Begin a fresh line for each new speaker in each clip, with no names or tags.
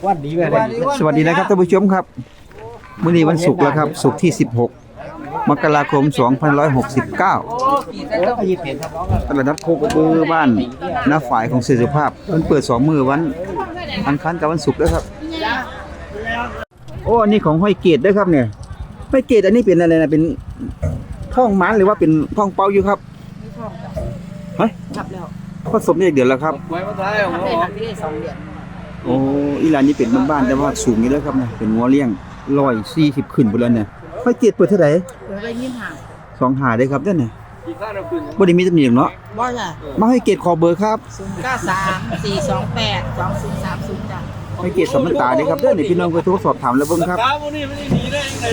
วันดีเลย
สวัสดีนะครับท่านผู้ชมครับมื้อนี้วันศุกร์แล้วครับศุกร์ที่16มกราคม2569ตลาดนัดโคกระบือบ้านนาฝ่ายของเสรีสุภาพมันเปิด2มื้อวันอังคารกับวันศุกร์เด้อครับโอ้อันนี้ของห้อยเกตเด้อครับเนี่ยห้อยเกตอันนี้เป็นอะไรนะเป็นท้องม้านหรือว่าเป็นท้องเป้าอยู่ครับฮะ
ทับแล้ว
ผสมได้เดือนแล้วครับ
ไว้มาท้าย
ทับได้ทับได้2 เดือน
โอ้อีหลานนี่เป็นบ้านๆแต่ว่าสูงนี่แล้วครับเนี่ยเป็นงัวเลี้ยง140ขึ้นพุ่นแล้วเนี่ยห้อยเกตเปิดเท่าไหร่
เดี๋ยวไปยิ้มห่าง
2หาได้ครับเด้อเนี่ย
อีกข้างเราขึ้น
บ่ได้มีตำหนิเนาะ
บ่จ้ะ
มาให้เกตขอเบอร์ครับ
0934282030จ้ะ
ให้เกตสำนักตาเด้ครับเด้อนี่พี่น้องไปโทรสอบถามแล้วเบิ่งครับ
ตาพวกนี้ไม่ได้หนีได้ยังไง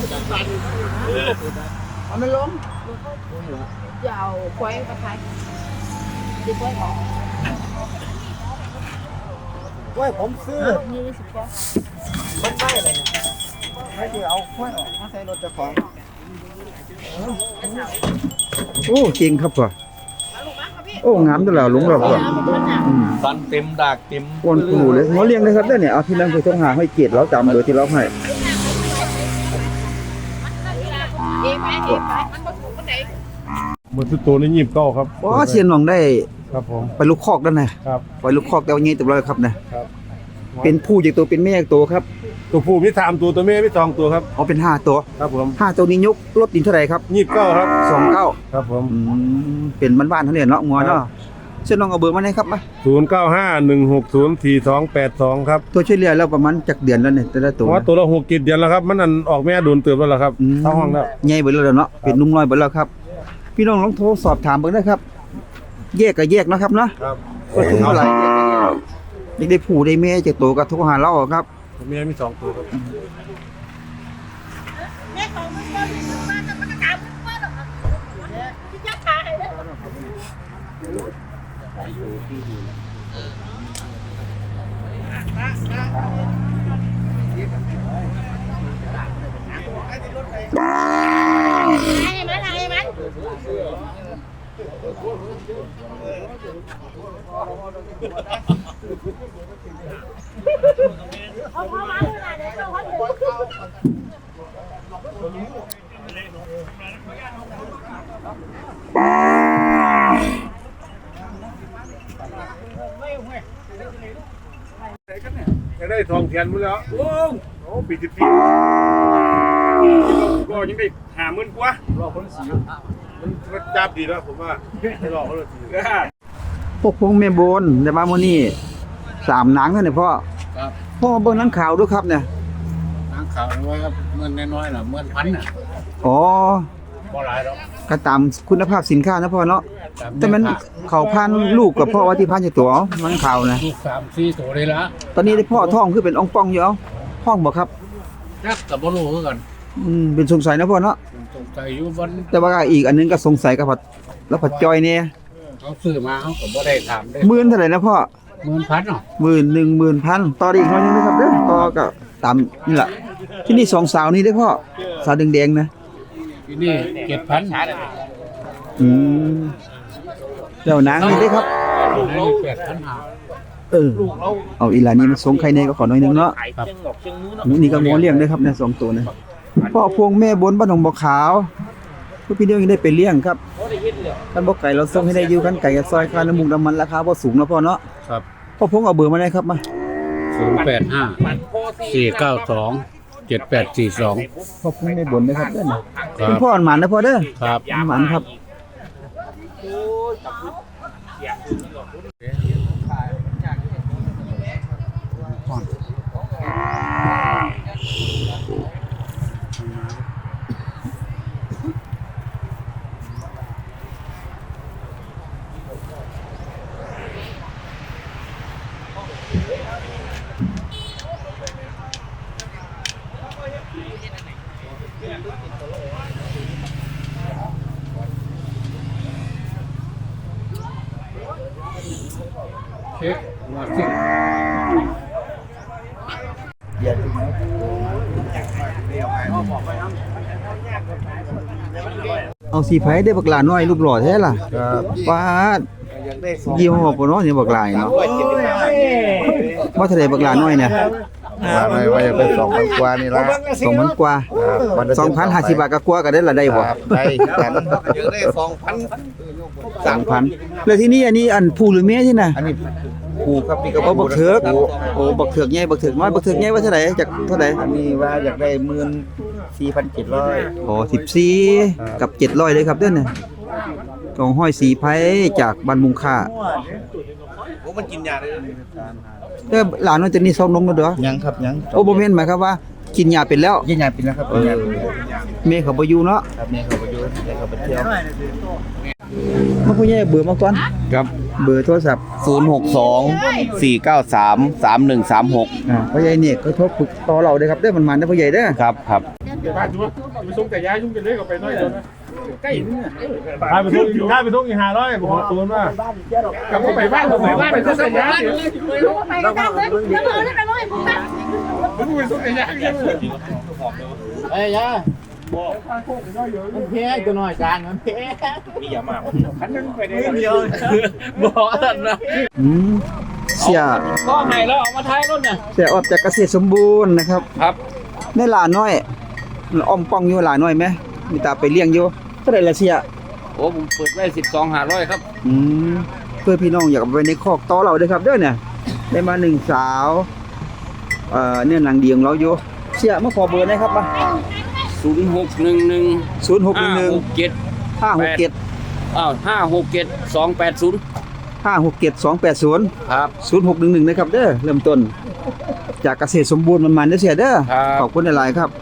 เอามันลงจะเอาควายมาขายดิควายออก
ว่าผมซื้อ
นี่10กว่า
มันได้เลยไม่ได้เอาค่อยออกมาใส่รถเจ้าของ
โอ้เก่งครับพ่อโอ้งามตัวแล้วลุงเราพ่ออืม
ฟันเต็มดากเต็ม
อ้วนปูเลยหัวเลี้ยงนะครับเด้อเนี่ยเอาพี่น้องไปโทรหาให้เกตเราจำเบอร์ที่เราให้
เอ๊ะไปมันบ่ถูกปานใด
มันคือตัวนี้29ครับ
อ๋อเสียนหนองได้
ครับผม
ไปลูกคอกด้านนะครับ ไปลูกคอกแต่ว่างี้ตัวเราครับนะครับ เป็นผู้จากตัวเป็นแม่จากตัวครับ
ตัวผู้มี3ตัวตัวแม่มี2ตัวครับ
อ๋อเป็น5ตัว
ครับผม
5ตัวนี้ยกรถดินเท่าไหร่ครับ
29ครับ
29
ครับผม
เป็นบ้านๆเท่านี้เนาะงัวเนาะเส้นน้องเอาเบอร์มาได้ครับมา
0951604282ครับ
ตัวช่วยเหลือเราประมาณจักเดือนแล้วเนี่ยแต่ละตัว
เพราะว่าตัวละ6 7เดือนแล้วครับมันอันออกแม่โดนเติบแล้วล่ะครับเข้าห้องแล้ว
ใหญ่เบิดแล้วเนาะเป็นนุ่มน้อยเบิดแล้วครับ พี่น้องลองโทรสอบถามเบิ่งได้ครับ แยกก็แยกเนาะครับเนาะ
ครับ
ก็ถึงเท่าไหร่แยกได้ผู้ได้แม่จากตัวก็โทรหาเราครับ
ตัวแม่มี2ตัวครับ
แม่ของมันบ่ถูกมาจะมันก็ตามมันบ่ดอกที่ยักษ์ขาให้เด้อ ให้มันเอาพอมาเลยนะเดี๋ยวเขาจะ
ได้ทองเทียนมื้อแล้วโอ้ปี10ปีก็ยังได้50,000กว่ารอคนสีมันจับดีแล้วผมว่าให้รอเขาเลยสิ
พวกพงแม่โบนได้มามื้อนี้3หนังเท่านี้พ่อ
ครับ
พ่อเบิ่งหนังข่าวด้วยครับเนี่ย
น้ำขาวว่าเมื่อน้อยๆน่ะเมื่อพันน่ะ
อ๋อ
บ่หลายหรอก
ก็ตามคุณภาพสินค้านะพ่อเนาะแต่มันเขาพันลูกกับพ่อว่าที่พันอยู่ตัวหนังข่าวนะ
ลูก3-4ตัวเลยละ
ตอนนี้ได้พ่อท้องคือเป็นอ่องป่องอยู่เอาท้องบ่ครับ
จักกับบ่รู้คือกัน
เป็นสงสัยนะพ่อเนาะ
ผมสงสัยอยู่วัน
แต่ว่าอีกอันนึงก็สงสัยกับผัดแล้วผัดจอยเนี่ย
เขาซื้อมาเขาก็บ่ได้ถามได้
หมื่นเท่าไหร่นะพ่อ
10,000เนาะ
10,000 ต่อได้อีกหน่อยนึงนะครับเด้อต่อก็ตามนี่ล่ะที่นี่2สาวนี่เด้อพ่อสาวแดงๆนะ
ที่นี่7,000
อืมแล้วนางนี่เด้อครับ
ลูกเรา8,500
เออเอาอีหลานนี่มันสงไข่แน่ก็ขอหน่อยนึงเนาะ
ครับ
นี่ก็งอเลี้ยงเด้อครับเนี่ย2ตัวนะพ่อพวงแม่บนบ้านหนองบ่อขาวพวกพี่เดียวยังได้ไปเลี้ยงครับคันบ่ไก่เราส่งให้ได้อยู่คันไก่กับซอยค่าน้ำมูกน้ำมันราคาบ่สูงเนาะพ่อเนาะ
ครับ
พ่อพวงเอาเบอร์มาได้ครับมา
085-492-7842
พ่อพวงแม่บนนะครับเด้อนะ
ครั
คุณ
บ
พ่อหมานนะพ่อเด้อ
ครับ
หมานครับ
เช็คมาสิ
เอาสีไผได้บักหลาน้อยรูปหล่อแท้ล่ะ
ครับ
ปาด
ได้สอง
ยี่ห้อปนเนาะนี่บักหลายเนาะว่าเท่าใดบักหลาน้อยเนี่ย
มาไม่ว่าจะเป็น2,000 กว่านี่ละ
2,000 กว่า 2,050 บาทก็กว่าก็ได้ละได้บ่
ได้กันยังได้
2,000แล้วที่นี่อันนี้อันผู้หรือแม่ที่น่ะ
อันนี้ผูครับนี่ก็
โอ้บักเถิกโอ้บักเถิกใหญ่บักเถิกน้อยบักเถิกใหญ่ว่าเท่าใดจากเท่าใด
อันนี้ว่าอยากได้14,700
อ๋อ14กับ700เลยครับเด้อเนี่ยของห้อยสีไผจากบ้านมุงค่า
โอ้มันกินยาได้
เด้อหลานน้อยตัวนี้ซ้อมนมแล้วเด้อ
ยังครับยัง
โอ้บ่แม่นหมายความว่ากินยาเป็นแล้ว
ยังไงเป็นแล้วครับยังไงเป็นแล้ว
แม่เขาบ่อยู่เนาะ
ครับแม่เขาไปอยู่แม่เขาไปเที่ยว
มาผู้ใหญ่เบอร์มาก่อน
ครับ
เบอร์โทรศัพท์
062-493-3136
ผู้ใหญ่เนี่ยก็โทรปรึกต่อเราเด้อครับเด้อมันมาเด้อผู้ใหญ่เด้อ
ครับครับ
บ้านจุ๊บไปส่งแต่ย้ายยุ่งกันเลยก็ไปน้อยเดียวนะใกล้นี่ถ้าไปส่งอีก500ผมตูนว่ากลับไปบ้านผมไปส่งแต่ย้าย
ไปกันได้เลยเดี๋ยวเลยไปเลยผมนะ
ผมไปส่งแต่ย้าย
เอ้ยยามันแพ้ตัวน้อยจานมันแพ้
มีอย่ามากคันนึงไปได้
เดียว
บอกนั่นนะ
เสีย
ก็ให้แล้วเอามาท้ายรถเนี่ย
เสียออกจากเกษตรสมบูรณ์นะครับ
ครับ
ในหลาน้อยอ้อมป้องอยู่หลาน้อยไหมมีตาไปเลี้ยงอยู่เท่าไหร่ละเสีย
โอ้ผมเปิดไว้12,500ครับ
เพื่อพี่น้องอยากเอาไปในคอกต่อเราเด้อครับเด้อเนี่ยได้มา1สาวเนี่ยหนังดีของเราอยู่เสียมาขอเบอร์หนะครับมา
0611
0611
567
567
567
280
ครับ
0611นะครับเด้อเริ่มต้น จากเกษตรสมบูรณ์มันๆเด้อเสียเด้อ
ครับ
ขอบคุณหลายๆครับ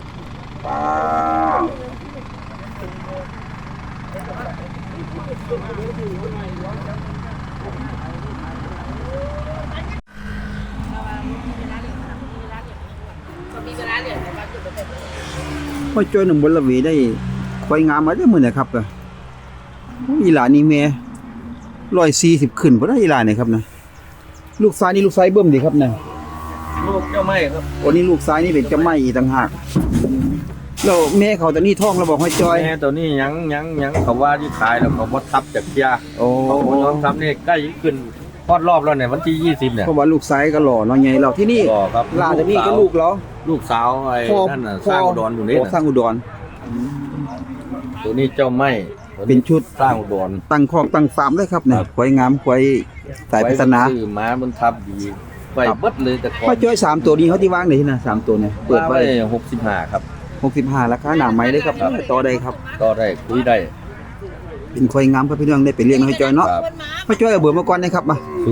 พ่อจ้อยหนุ่มบนละวีได้ควายงามมาได้อมื้อเนี่ยครับก็อีหลานนี่แม่140ขึ้นบ่ได้อีหลานนี่ครับนะลูกซ้ายนี่ลูกซ้ายเบิ่มดีครับนะ
ลูกเจ้าไม่ครับ
โอ้นี่ลูกซ้ายนี่เป็นเจ้าไม้อีกต่างหากแล้วแม่เขาตอนนี้ท้องแล้วบอกให้จอย
แม่ตัวนี้ยังเขาว่าที่ขายแล้วเขาบ่ทับจากเทีย
โอ้
เขาบ่ยอมทับนี่ใกล้ขึ้นพอดรอบแล้วเนี่ยวันที่20เนี่ย
เพราะว่าลูกซ้ายก็หล่อเนาะใหญ่เราที่นี่
ก็ครับ
ลาตัวนี้ก็ลูกเหรอ
ลูกสาวไอ้นั่นน่ะสร้างอุดรอยู่นี่
โสร้างอุดร
ตัวนี้เจ้าไม่
เป็นชุด
สร้างอุดร
ตั้งคอกตั้งฟาร์มเลยครับเนี่ยควายงามควายสายพัฒนา
ซื้อมามันทับดีไว้เบิดเลยแต่ก่อ
พ่อน จ้อย3ตัวนี้เขาที่วางไหนที่น่ะ3ตัวเนี่ยเปิดไว้
65ครับ
65ราคาหนาไม้เลยครับต่อได้ครับ
ก็ได้คุยได้
เป็นควายงามครับพี่น้องได้ไปเลี้ยงให้จอยเนาะพ่อจ้อยเอาเบอร์มาก่อนนะครับมา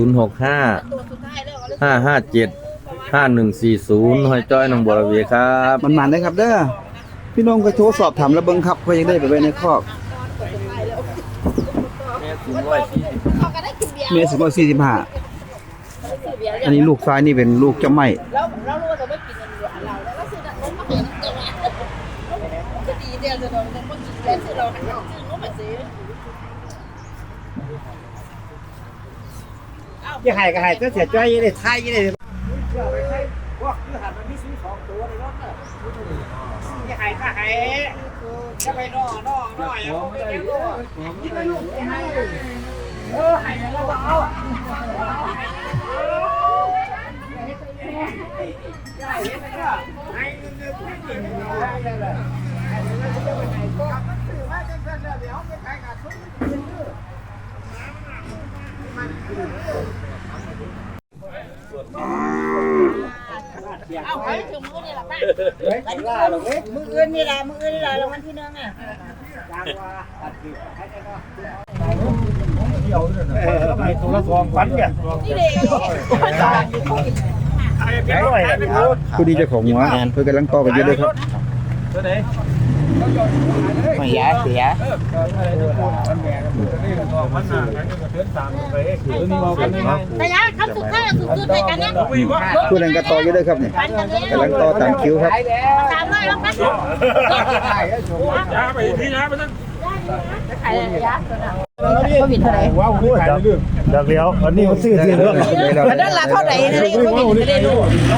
065-557-5140หอยจ้อยหนองบัวระเวีครับ
มันได้ครับเด้อพี่น้องก็โทรสอบถามแล้วเบิ่งครับว่ายังได้ไปไว้ในคอก
เขาก็ได้กินเบียร์
เมษายน45อันนี้ลูกซ้ายนี่เป็นลูกเจ้าไม้
แล้วเรารู้ว่าเราไม่กินกันอยู่เราแล้วก็ซื้อน้ำมาเห็นตัวจะดีเดียวจะโดนน้ำมากินแล้วซื้อเราหันซื้อน้ำมาซื้อ
จะหายก็หายก็เสียใจยังได้ทายยังได้จะหายก็หายจะไปนอนอย่างไม่ได้รู้หายแล้วเอา
เอาไปถึงมือนี่แหละป้ามืออื่นนี่แหละรางวัลที่หนึ่งอ่ะ
ไปตัวละ2,000เนี่ย
นี่เด็ก
ผู้ดีเจ้าของหัวเพิ่นกำลังต่อกันอยู่เด้อครับ
ไม่ยาเสีย
แต่ยาคำสุดท้ายสุดๆในกันเนี่ย
ผู้นั้นก็ต่ออยู่เด้อครับเนี่ยกำลังต่อตามคิวครับ
ตามเลยแล้วกันยาไปที่ยาไปนั่นขายยาก็บิดเท่าไหร่
ว้าวรู้จักเรื่องจากแล้วอันนี้มันซื้อเรื่อง
อันนั้นละเท่าไหร่นี่ก็บิดไม่ได้รู้